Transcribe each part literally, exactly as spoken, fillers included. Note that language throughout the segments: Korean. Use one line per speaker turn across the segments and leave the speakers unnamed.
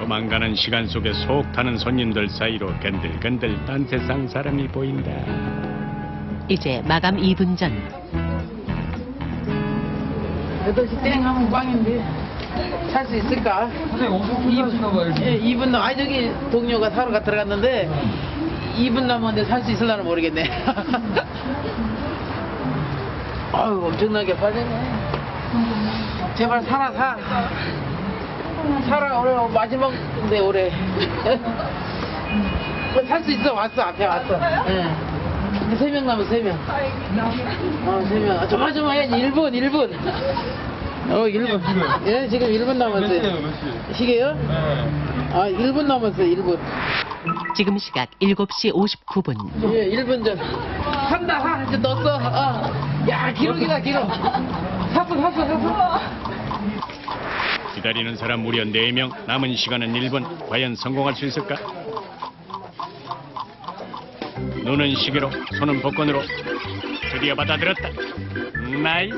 도망가는 시간 속에 속 타는 손님들 사이로 건들건들 딴 세상 사람이 보인다.
이제 마감 이 분 전.
여덟 시 땡 하면 꽝인데 살 수 있을까?
선생님 엄청 불편하신가 봐요.
예, 이 분 남, 아니 저기 동료가 사러 가 들어갔는데 이 분 남았는데 살 수 있을라나 모르겠네. 아유 엄청나게 빠지네. 제발 살아 사. 살아 오늘 마지막인데 올해. 살 수 있어 왔어 앞에 왔어. 예. 세 명 남았어 세 명. 어 세 명. 아, 조마조마해야지 일 분 일 분. 어 일 분. 예 지금 일 분
몇
남았어요.
시에요, 몇 시?
시계요?
네.
아 일 분 남았어요 일 분.
지금 시각 일곱 시 오십구 분.
예 일 분 전. 산다 사 이제 넣었어. 어. 야 기록이다 기록. 샀어 샀어 샀어.
기다리는 사람 무려 네 명. 남은 시간은 일 분. 과연 성공할 수 있을까? 눈은 시계로, 손은 복권으로. 드디어 받아들였다. 나이스.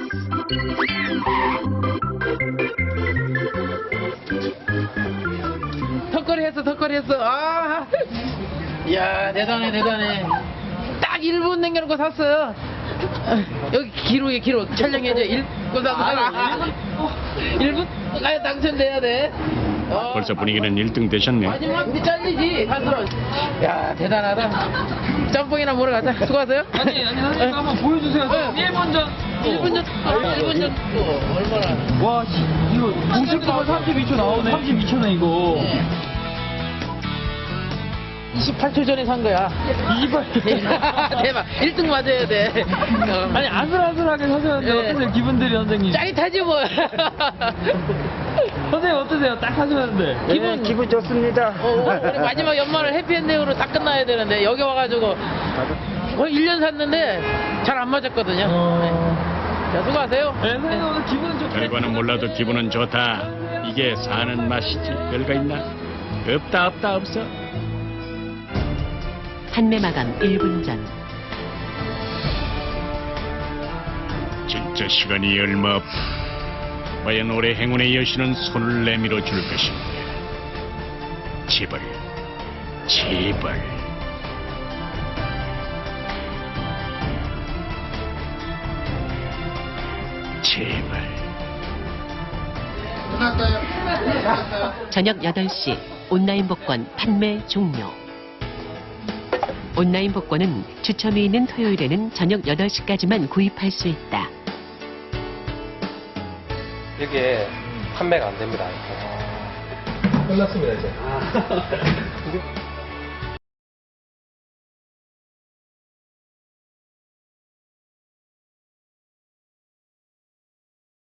턱걸이 했어 턱걸이 했어. 아. 이야 대단해 대단해. 딱 일 분 남겨놓고 샀어요. 여기 기록에 기록 촬영해줘. 일 분 샀어. 일 분 가야 당첨돼야 돼. 어.
벌써 분위기는 일 등 되셨네.
마지막 때 잘리지 사실은. 야 대단하다. 짬뽕이나 먹으러 가자. 수고하세요.
아니, 아니, 선생님 한번 보여주세요.
네.
일 분 전.
일 분 전. 일 분 전. 어, 얼마나.
와, 씨, 이거 오십 분만 삼십이 초 나오네. 삼십이 초네, 이거.
이십팔 초 전에 산 거야.
이십팔 초.
대박. 일 등 맞아야 돼. 어.
아니, 아슬아슬하게 사셨는데
네.
어떠세요, 기분들이, 선생님?
짜릿하지 뭐.
선생님 어떠세요? 딱 하셨는데.
기분 기분 좋습니다. 어, 우리 마지막 연말을 해피엔딩으로 딱 끝나야 되는데 여기 와가지고 거의 일 년 샀는데 잘 안 맞았거든요.
어...
자, 수고하세요.
네, 선생님 오늘 기분 좋게.
결과는 몰라도 기분은 좋다. 이게 사는 맛이지. 별거 있나? 없다 없다 없어.
판매 마감 일 분 전.
진짜 시간이 얼마 없다. 과연 올해 행운의 여신은 손을 내밀어 줄 것인가? 제발, 제발. 제발.
저녁 여덟 시 온라인 복권 판매 종료. 온라인 복권은 추첨이 있는 토요일에는 저녁 여덟 시까지만 구입할 수 있다.
이게 판매가 안 됩니다.
끝났습니다, 이제.